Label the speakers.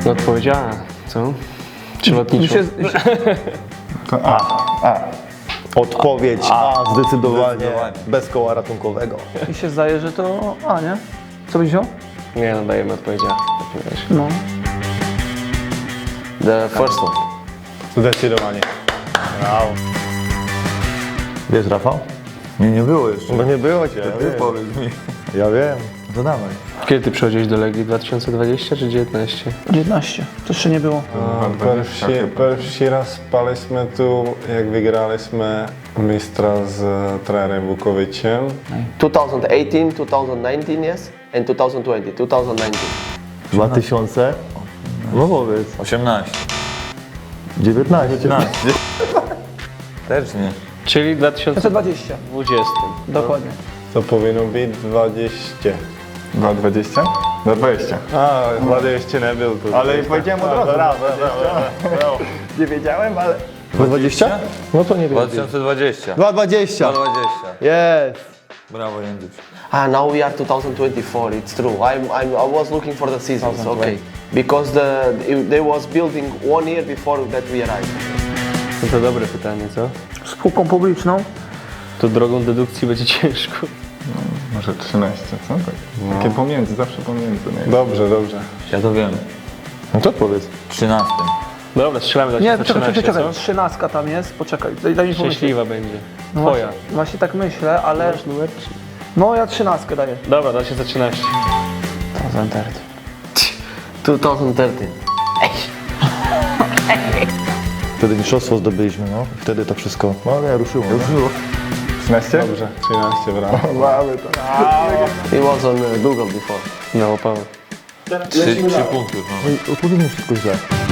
Speaker 1: No odpowiedź A, co? Czy lotniczo?
Speaker 2: To A.
Speaker 3: Odpowiedź A, zdecydowanie,
Speaker 2: Zdecydowanie.
Speaker 3: bez koła ratunkowego.
Speaker 4: Mi się zdaje, że to A, nie? Co byś wziął?
Speaker 1: Nie, no dajemy odpowiedź A. w takim razie.
Speaker 4: No.
Speaker 1: The first one.
Speaker 2: Zdecydowanie.
Speaker 3: Brawo. Wiesz, Rafał?
Speaker 2: Nie było jeszcze.
Speaker 3: No nie było cię.
Speaker 2: Ty powiedz mi.
Speaker 3: Ja wiem.
Speaker 2: To dawaj.
Speaker 1: Kiedy ty przychodziłeś do Legii? 2020 czy 19?
Speaker 4: 19. To jeszcze nie było.
Speaker 5: Pierwszy raz spaliśmy tu, jak wygraliśmy mistrza z trenerem Vukoviciem.
Speaker 6: 2018, 2019, yes, and 2020. 2019.
Speaker 3: 2000. No powiedz.
Speaker 2: 18.
Speaker 3: 19.
Speaker 2: 15. Też nie.
Speaker 1: Czyli w 2020.
Speaker 4: 20. Dokładnie.
Speaker 5: To powinno być 20.
Speaker 2: 2,20? 2,20.
Speaker 5: A, 20 nie był tu.
Speaker 2: Ale powiedziałem od razu.
Speaker 3: Brawo. Nie wiedziałem, ale... 20? No to nie wiem.
Speaker 2: 2020.
Speaker 3: 2,20.
Speaker 2: 2,20.
Speaker 3: Jest.
Speaker 2: Brawo, Jędrzyk.
Speaker 6: Ah, now we are 2024. It's true. I was looking for the seasons. Okay, because they was building 1 year before that we arrived.
Speaker 1: No to dobre pytanie, co?
Speaker 4: Spółką publiczną.
Speaker 1: To drogą dedukcji będzie ciężko.
Speaker 2: Może 13, co? Tak. Takie pomiędzy, zawsze pomiędzy. Nie?
Speaker 5: Dobrze, dobrze.
Speaker 2: Ja to wiem.
Speaker 3: No to odpowiedz.
Speaker 2: 13.
Speaker 1: Dobra, strzelamy do
Speaker 4: Nie,
Speaker 1: 2013,
Speaker 4: czekaj.
Speaker 1: co?
Speaker 4: 13 tam jest. Poczekaj, daj mi pomyśleć.
Speaker 1: Szczęśliwa będzie.
Speaker 4: No
Speaker 1: Twoja.
Speaker 4: Właśnie tak myślę, ale...
Speaker 1: Masz numer?
Speaker 4: No ja 13 daję.
Speaker 1: Dobra, 2013.
Speaker 6: 2013.
Speaker 3: Wtedy mistrzostwo zdobyliśmy, no. I wtedy to wszystko, no nie, ruszyło. Ruszyło.
Speaker 2: 13?
Speaker 5: Dobrze, 13 brawo.
Speaker 3: Mamy to.
Speaker 6: He was on Google before.
Speaker 1: No, Paweł.
Speaker 2: 3 punkty. No.
Speaker 3: Odpowiedźmy wszystko źle.